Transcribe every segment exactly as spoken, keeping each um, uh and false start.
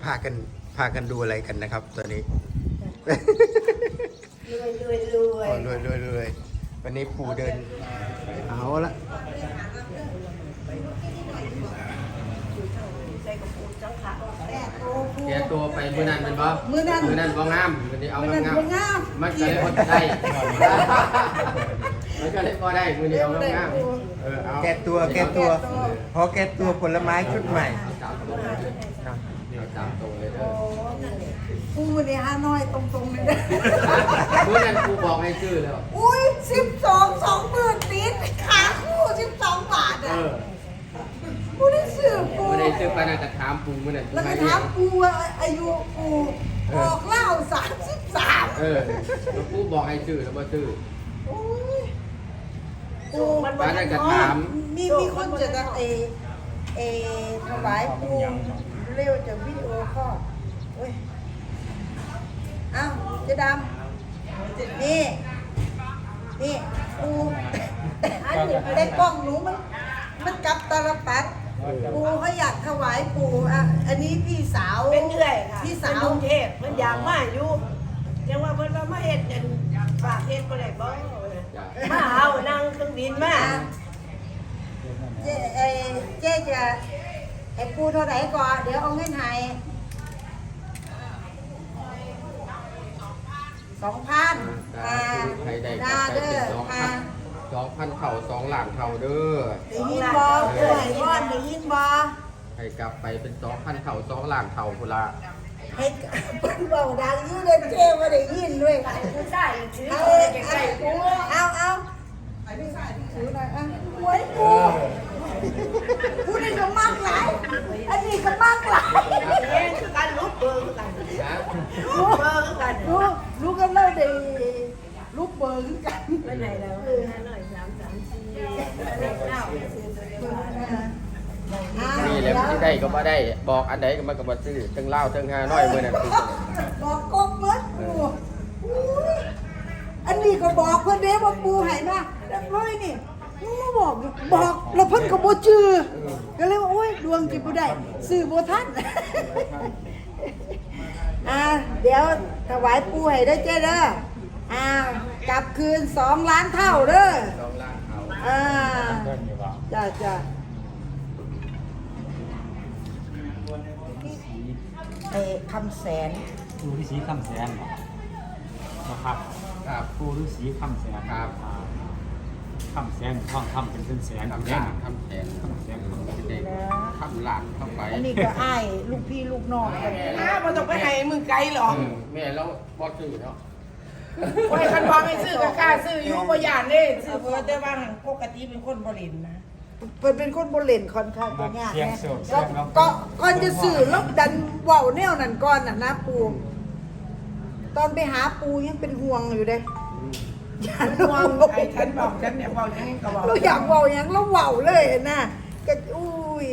พากันพากันดูอะไรกันนะครับตอนนี้รวยรวยรวยอ๋อรวยรวยรวยวันนี้ปู่เดินเอาละใส่กระปุกจังค่ะแม่โตผู้แกตัวไปมือนั้นเป็นบ่มื้อนั้นมือนั้นบ่งามมันนี้เอามันงามบ่งามๆมันก็เลยพอได้ มันก็เลยพอได้มือนี้เอางามๆเออเอาแก้ตัวแก้ตัวพอแก้ตัวผลไม้ชุดใหม่จับตรงเลยเอาจับตรงเลยเด้อปูนี่ฮานอยตรงๆเลยนะมือนั้นครูบอกให้ซื้อแล้วอุ้ยสิบสองสองหมื่นติดขาคู่สิบสองบาทเออ่ะอปูได้ซื้อปูมือนั้นซื้อไปน่าจะถามปูมือนั้นแล้วก็ถามปูว่าอายุปูออกเหล้าสามสิบสามเออแล้วครูบอกให้ซื้อแล้วบ่ซื้อโอ้ยปูมันบ้านนั้นก็ถามมีมีคนจะจะเอเอถวายปูเร็วจากวิดีโอคอลโอ้ยอ้าวเจ๊ดำนี่ นี่ปูอันนี้ได้กล้องหนูมันมันกลับตาลปัดปูเขาอยากถวายปูอ่ะอันนี้พี่สาวเป็นเรื่อยค่ะพี่เป็นสาวกรุงเทพมันอยากมาอยู่ยังว่าเพิ่นว่ามาเฮ็ดจังฝากเฮ็ดบ่ได้บ่มาเอานั่งเครื่องบินมาอ่ะเจ๊เอเจ๊จะไอ้ปูเท่าไหร่ก่อนเดี๋ยวเอาเงินให้สองพันอ่าใครได้ดาก็ไปเด้เป็อนสองพัอ่านสองพันเข่าสองหลานเข่าเด้อได้ยินบอป่วยบอนได้ยินบอให้กลับไปเป็นสองพันเข่าสองหลานเข่าพุ่นละให้เปิ้นเบาดังอยู่เด้อเจ๊ว่าได้ยินด้วยผู้ชายถือเอาเอาเอาใกล้ๆปูเอาเอาถือหน่อยอ่ะหวยปูปูนี่ก็มากหลายอันนี้ก็มากหลายเองคือกันลุกเบอร์คือกันนะลุกเบอร์คือกันรู้รู้กันแล้วได้ลูกเบอร์คือกันไปไหนแล้วห้าหน่อยสามสามสี่เลขเก้าซื้อตัวเดียวนี่แหละที่ได้ก็บ่ได้ บอกอันใดก็มันก็บ่ซื้อถึงเล่าถึงห้าน้อยมื้อนั้นคือบอกกบเบิดปูอุ้ยอันนี้ก็บอกเพื่อนเด้ว่าปูให้มาเรียบร้อยนี่มึงมาบอกอยู่บอกแล้วเพิ่นก็บ่จื้อก็เลยว่าโอ้ยดวงจิบ่ได้ซื้อบ่ทัน อ่าเดี๋ยวถวายปูให้ได้อเจ้เด้ออ่ากลับคืนสองล้านเท่าเด้อสองล้านเข่าอ่าจ้าจ้าเอคำแสนปูฤาษีคำแสนนะครับครับปูฤาษีคำแสนครับอ่าคำแสนท่องคำเป็นเป็นแสนทำแน่ลาน นทำแสนคำแสนคำแสนเด็กทำลานเข้าไปอันนี้ก็อ้ายลูกพี่ลูกน้องกันอ้าวมันต้องไปให้มึงไกลหรอกเออแม่แล้วบ่ซื้อเนาะโอ้ยคันพอไม่ซื้อก็กล้าซื้ออยู่บ่ย่านเด้ซื้อเพิ่นแต่ว่าหั้นปกติเป็นคนบ่เล่นนะเพิ่นเป็นคนบ่เล่นค่อนข้างจะยากเสียงนะโศกก็เสียงร้องก็ก่อนจะสื่อแล้วดันเว้าแนวนั้นก่อนน่ะนะปูตอนไปหาปูยังเป็นห่วงอยู่เด้อย่าห่วงไอ้ฉันบอกฉันเนี่ยบอกยังก็บอกเราอยากเว้าหยังเราเว้าเลยนะก็อุ้ย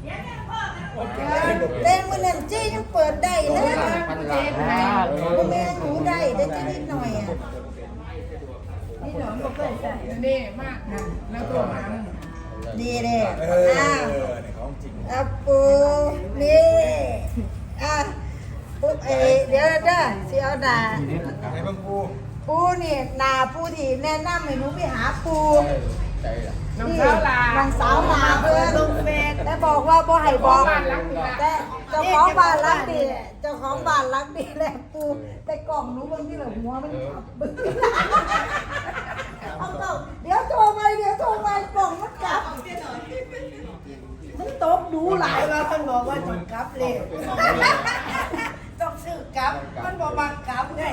เล่นมื้อนั้นเจ๊ยังเปิดได้เลยพันล้านบ่แม่นหนูได้ได้แค่นิดหน่อยอ่ะนี่หนอนบ่เคยใส่นี่มากนะแล้วตัวมันดีเด้อ้าวอ่ะปูนี่อ่ะปุ๊บเอเดี๋ยวเด้อสิเอาหน้าไอ้บางปูปูนี่หน้าปูที่แนะนำให้หนูไปหาปูใจล่ะน้องสาวลาน้องสาวลาเพิ่นลงเฟซแต่บอกว่าบ่ให้บอกบ้านหลังนี้ล่ะแต่เจ้าของบ้านรักดีเจ้าของบ้านรักดีแหละปูแต่กล่องหนูบางทีละหัวมันขับบึ้งเอาเก่าเดี๋ยวโทรไปเดี๋ยวโทรไปกล่องมันกลับมันตบดูหลายว่าเพิ่นบอกว่าจงกลับเร็วต้องซื้อกลับมันบอกว่ากลับไง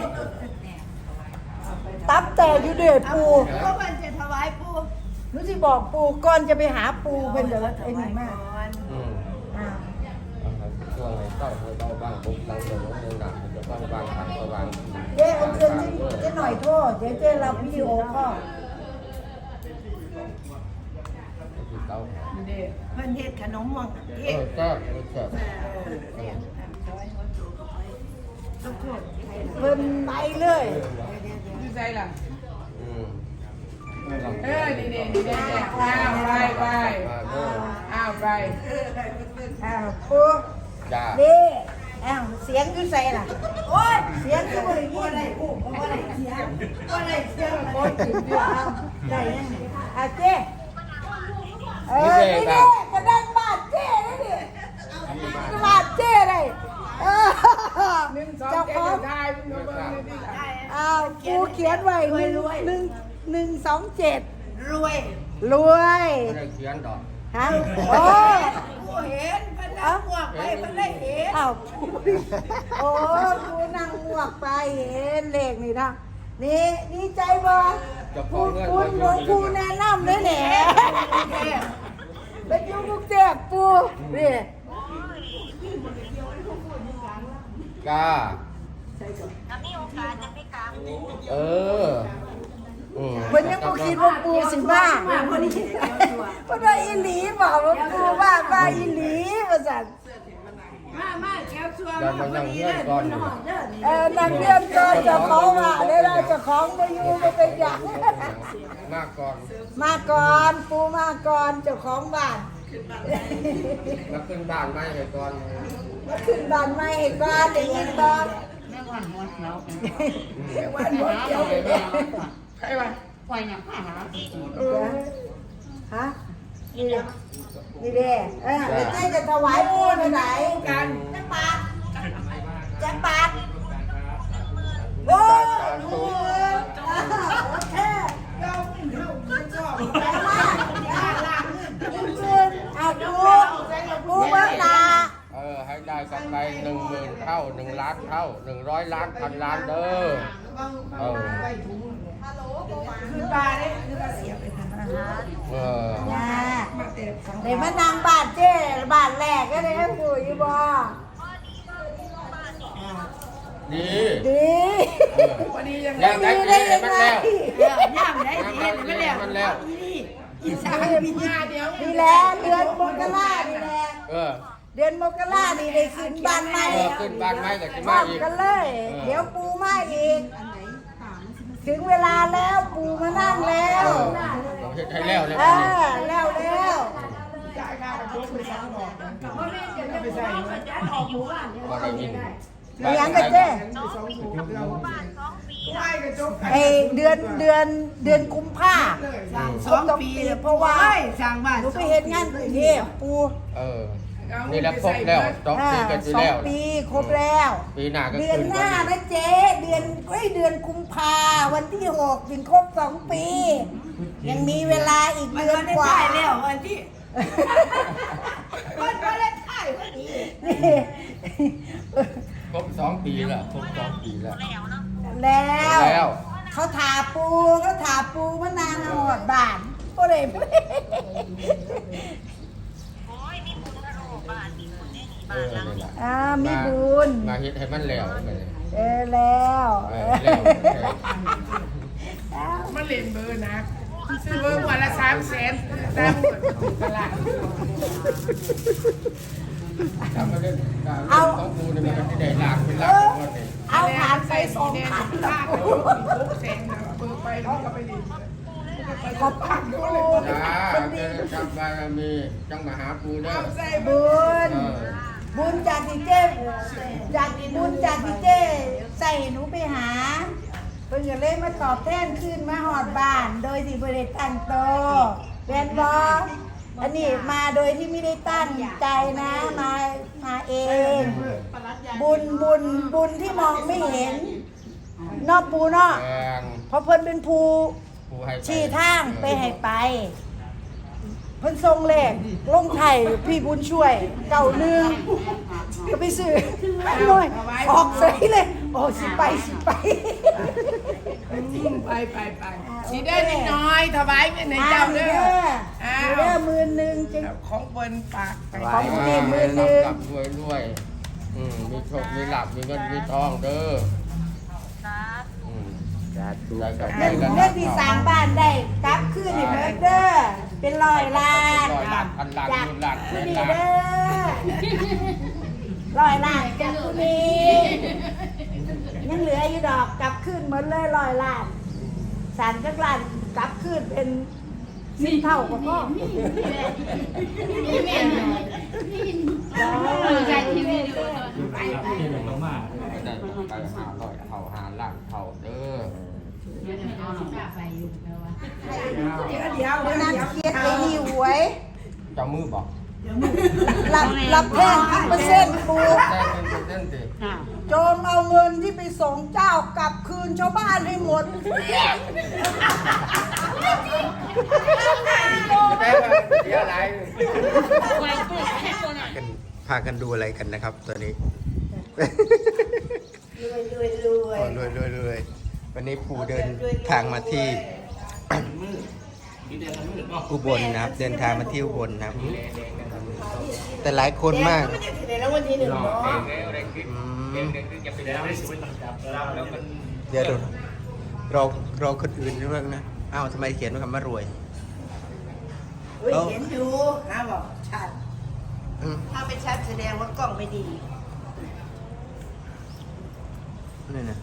ตับแต่อยู่เด้อปูก็มันจะถวายปู่หนูสิบอกปูก่อนจะไปหาปูเพิ่นจะไอ้นี่มากอืมอ่าช่วงไหนเต้าเบาบางปุ๊บหลังเดี๋ยวน้องเดินหนักจะบางบางทางก็บางเจ๊เอาเงินเจ๊หน่อยโทษเดี๋ยวเจ๊รับวิดีโอก็เต้าเด้เพิ่นเฮ็ดขนมหวังเอเฮ็ดอก็เสิร์ฟทุกคนเพิ่นไปเลยอยู่ใจล่ะอืมเออนี่ๆนี่ๆอ้าวไปไปอ้าวไปอ่าปูจ้านี่ไอ้อ้าวเสียงอยู่ใส่ล่ะโอ้ยเสียงอยู่บ่ได้ยินได้อู้บ่ได้เสียงบ่ได้เสียงโอ้ยสิเดียวเอาได้ยังอ่ะเจ้เออนี่เด้กระดังบาดเจ้นี่ดิบาดเจ้เลยเออเจ้าของอ้าวกูเขียนไว้หนึ่งหนึ่งหนึ่งสองเจ็ดรวยรวยไม่ได้เขียนดอกฮะโอ้กูเห็นมันนั่งหวกไปมันได้เห็นอ้าวโอ้กูนั่งหวกไปเห็นเลขนี่นะนี่นี่ใจบ่จะพกูอเงินกูหลวงกูแนะนำเลยแหละไปอยู่กรุงเทพปูนี่กาเอออืมมันยังกูคิดว่าปูสิบ้าเพราะว่าอีหลีบอกว่าปูว่าว่าอีหลีว่าสั่นมามาแก้วชัวเดี๋ยวมันยังเงื่อนก่อนอยู่เออนักเรียนก็จะของว่าได้ได้จะของมาอยู่มาเป็นอย่างมากก่อนมาก่อนปูมาก่อนเจ้าของบ้านมาขึ้นบ้านไม่ให้ก่อนมาขึ้นบ้านใหม่ให้ก่อนได้ยินบ่วันหมดเดียวไปเลยใช่ป่ะปล่อยอย่างหาฮะนี่เด้นี่เด้เออแล้วใกล้จะถวายปูไปไหนกันจังปาดจังปาดโอ้ดูโอเคเราไม่ชอบไปมากจริงๆเอาดูปูเบิ้งหน้าเออให้ได้กำไรหนึ่งหมื่นเท่าหนึ่งล้านเท่าหนึ่งร้อยล้านพันล้านเด้อเออคือปลาเนี่ยคือปลาเสียบไปทางนั้นเออน่ะเดี๋ยวมานั่งบ้านเจ้บ้านแรกก็ได้อยู่อยู่บ่ดีดีวันนี้ยังแล้วได้ได้เงิยันงมันไงแล้วย่ามได้ดีไม่แล้วมันแล้วอีสานมีญาเดียวนี่แหละเดือนมกรานี่แหละเออเดือนมกรานี่ได้ขึ้นบ้านใหม่เออขึ้นบ้านไม้กับที่พร้มาอมอีกกันเลย เดี๋ยวปูมาอีก ถึงเวลาแล้วปูมานั่งแล้วเราเฮ็ดให้แล้วแล้วเออแล้วแล้วจ่ายค่ากับโจ๊กไปสามดอกเพราะไม่จะไปใส่พอได้ยินเลี้ยงกันเจ้ไหว้กับโจ๊กไอเดือนเดือนเดือนกุมภาสองปีเพราะว่าสร้างบ้านหนูไปเห็นงานกรุงเทพปูเออนี่แหละครบแล้วสองปีกันไปสอแล้งวปีครบแล้วปีหน้าก็เดือนขึ้นหน้านะเจ๊เดือนเอ้ยเดือนกุมภาวันที่หกถึงครบสองปี ยังมีเวลาอีกมันเดือนได้กว่าถ่ายแล้ววันที่มันก็ได้ถ่ายวันนี้นี่ครบสองปีแล้วครบสองปีแล้วแล้วแล้วเขาถาปูเขาถาปูมานานหอดบานก็เลยเออนี่แหละอ่ามีบุญมาเฮ็ดให้มันแล้วไปเลยเออแล้วเออแล้วมันเล่นเบอร์นะซื้อเบอร์วันละสามแสนตามตลาดถ้ามาเล่นการเล่นของกูเนี่ยมันก็จะได้หลากเป็นหลากเป็นวันนี้เอาผ่านไปสองพันค่าแล้วเบอร์มีหกแสนนะเบอร์ไปแล้วก็ไปเล่นขอบคุณปูจ้าเจอกับบารมีจังมาหาปูเด้อใส่บุญเออบุญจากที่เจ้จากบุญจากที่เจ้ใส่หนูไปหาเพิ่งจะเลยมาตอบแทนขึ้นมาหอดบ้าน โดยที่บริตั้งโตแวนบออันนี้มาโดยที่ไม่ได้ตั้งใจนะมามาเอง บุญบุญบุญที่มองไม่เห็นนอกปูเนาะแดงเพราะเพิ่นเป็นภูปูให้ไปชี้ทางไปให้ไป เพิ่นทรงเลขลงไทยพี่บุญช่วยเก่าหนึ่งก็ไปซื้อหน่อยออกใส่เลยโอ้สิไปสิไปไปไปไปสีได้นิดน้อยถวายเงินในอ้าเจ้าว เด้เด้อออ้าเด้อวมือหนึ่งจึงของเปิ้นปากไปของผู้ดีมือหนึ่งรับรวยรวยอืมมีโชคมีลาภมีเงินมีทองเด้ออืมได้กับเรื่องเรื่องที่สร้างบ้านได้กลับคืนให้เพิ่นเด้อเป็นร้อยล้านร้อยล้านพันล้านจากหมื่นล้านแสผู้นนี้ล้านเด้อร้อยล้านจากผู้นี้ยังเหลืออยู่ดอกกลับคืนหมดเลยร้อยล้านสารจักรล้านกลับคืนเป็นสิบเท่ากับพ่อใจที่ไม่ดูไปไปมากก็ได้ไปหาร้อยเท่าหาล้านเท่าเด้อเดี๋ยวเดี๋ยววันนั้นเครียดไอ้นี่หวยเจ้ามือบอกรับรับแพงกี่เปอร์เซ็นต์ปูได้เป็นเปอร์เซ็นต์สิโจงเอาเงินที่ไปส่งเจ้ากลับคืนชาวบ้านให้หมดได้มาเสียอะไรกันพากันดูอะไรกันนะครับตัวนี้รวยรวยรวยโอ้รวยรวยรวยวันนี้ปู่เดินทางมาที่ อุบลนะครับ เดินทางมาที่อุบลนะครับ แต่หลายคนมากไม่ได้ถึงในรางวัลที่หนึ่งเนาะอืมเดี๋ยวดูรอรอคนอื่นด้วยนะอ้าวทำไมเขียนว่าคำว่ารวยเฮ้ยเห็นอยู่นะบอกชัดอืมถ้าไม่ชัดแสดงว่ากล้องไม่ดีนี่นะ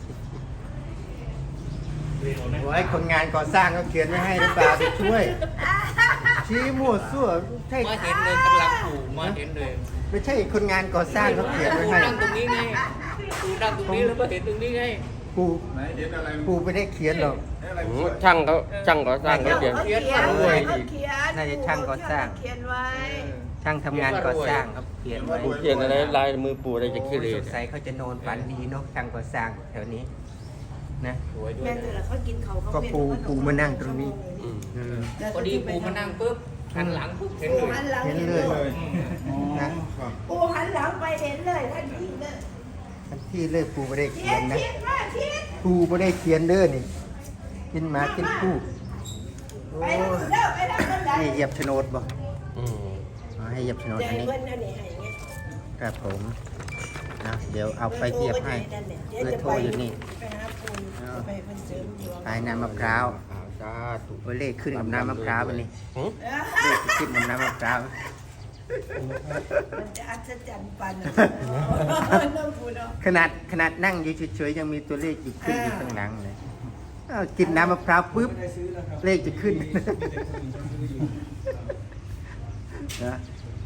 โอ้ยคนงานก่อสร้างก็เขียนไว้ให้หรือเปล่าไปช่วย ชี้มั่วซั่วใช่มาเห็นเลยกำลังปลูกมาเห็นเลยไม่ใช่คนงานก่อสร้างเขาเขียนไว้ปูให้นั่งตรงนี้ไงปูนั่งตรงนี้แล้วมาเห็นตรงนี้ไงปูปูไม่ได้เขียนหรอกช่างเขาช่างเขาสร้างเขาเขียนเขาเขียนเขาเขียนน่าจะช่างก่อสร้างเขียนไว้ช่างทำงานก่อสร้างเขาเขียนไว้ปูเขียนอะไรลายมือปูอะไรจะขี้เหร่สงสัยเขาจะนอนฝันดีเนาะช่างก่อสร้างแถวนี้นะสวยด้วยแม่แต่ละเขากินเขาเขาก็ปูปูมานั่งตรงนี้อืมอืมพอดีปูมานั่งปุ๊บหันหลังปุ๊บเห็นปูเลยหันหลังเห็นเห็นเลเลย ยนะปูหันหลังไปเห็นเลยทันทีเลยทันที่เลิกปูไม่ได้เขีเขียยนนนะเขียนว่าเขียนปูไม่ได้เขียนเด้อนี่กินหมากินปูโอ้ไปทางนู้นเด้อไปทางนู้นได้นี่เหยียบโฉนดบ่อืมอ๋อให้เหยียบโฉนดใจอันนี้เพิ่นอันนี้ให้เงี้ยครับผมนะเดี๋ยวเอาไปเหยียบให้เบอร์โทรอยู่นี่ไปหาปูไปเพิ่นเสริมดวงปลายน้ำมะพร้าวอ่าสาธุเบอร์เลขขึ้นกับน้ำมะพร้าวไปนี่หึเลขขึ้นกับน้ำมะพร้าวมันจะอัศจรรย์ปันน้ำปูเนาะขนาดขนาดนั่งอยู่เฉยๆยังมีตัวเลขอยู่ขึ้นอยู่ข้างหลังเลยอ้าวกินน้ำมะพร้าวปุ๊บเลขจะขึ้นนะ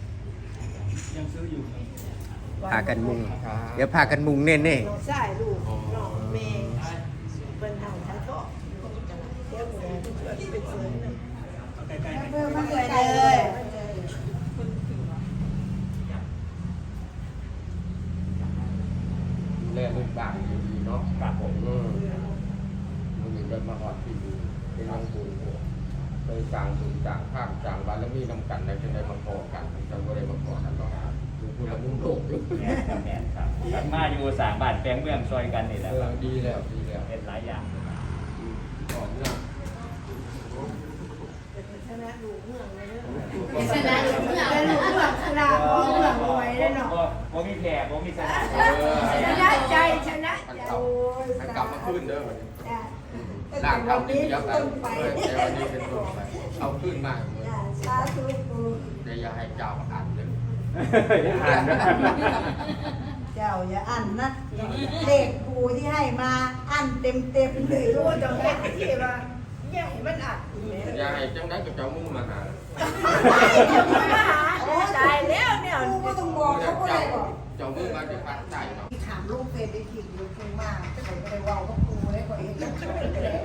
พากันมุง เดี๋ยวพากันมุงเน่ๆน้องชายลูกน้องเมย์เพิ่นทำทั้งทอดเดี๋ยวหมูเพิ่นเป็นเสริมนึงเพิ่มมาไปเลยเลยแลเป็นบางดีๆเนาะครับผมอืมมันมีเดินมาหอดที่ดีเป็นน้องปูเคยสั่งบุญสั่งข้ามสั่งบารมีนำกันในจังได้มาขอกันจังก็ได้มาขอกันเนาะดูพูดแล้วมุ่งโลกอยู่แม่ครับแม่ครับครับมาอยู่สามบ้านแปลงเมืองซอยกันนี่แหละเอคอรับดีแล้วดีแล้วเป็นหลายอย่างก่อนเนี่ยชนะลูกเมืองเลยเด้อชนะอยู่เมื่อแต่ลูกเมืองชนะลูกเมืองรวยเลยเนาะบ่มีแพ้บ่มีชนะชนะใจชนะมันใจกลับมันกลับมาขึ้นเด้อจ้ะร่างเก่าที่เดียวกันเออแต่วันนี้เป็นต้นไปเอาขึ้นมาเลยจ้ะสาธุปูเดี๋ยวอย่าให้เจ้าอ่านเลยอ่านนะเจ้าอย่าอั้นนะเลขปูที่ให้มาอั้นเต็มเต็มๆเลยรู้จังเฮ็ดที่ว่าอย่าให้มันอัดอีแม่อย่าให้จังได้กับเจ้ามุ่งมาหามาหาตายแล้วเนี่ยปูก็ต้องบอกเขาก็ได้บอกเจ้ามุ่งมาจะปัดใจเนาะที่ถามลูกเฟซได้คิดอยู่ปูมากแต่ผมไม่ได้ว่าว่าปูได้กว่าเอง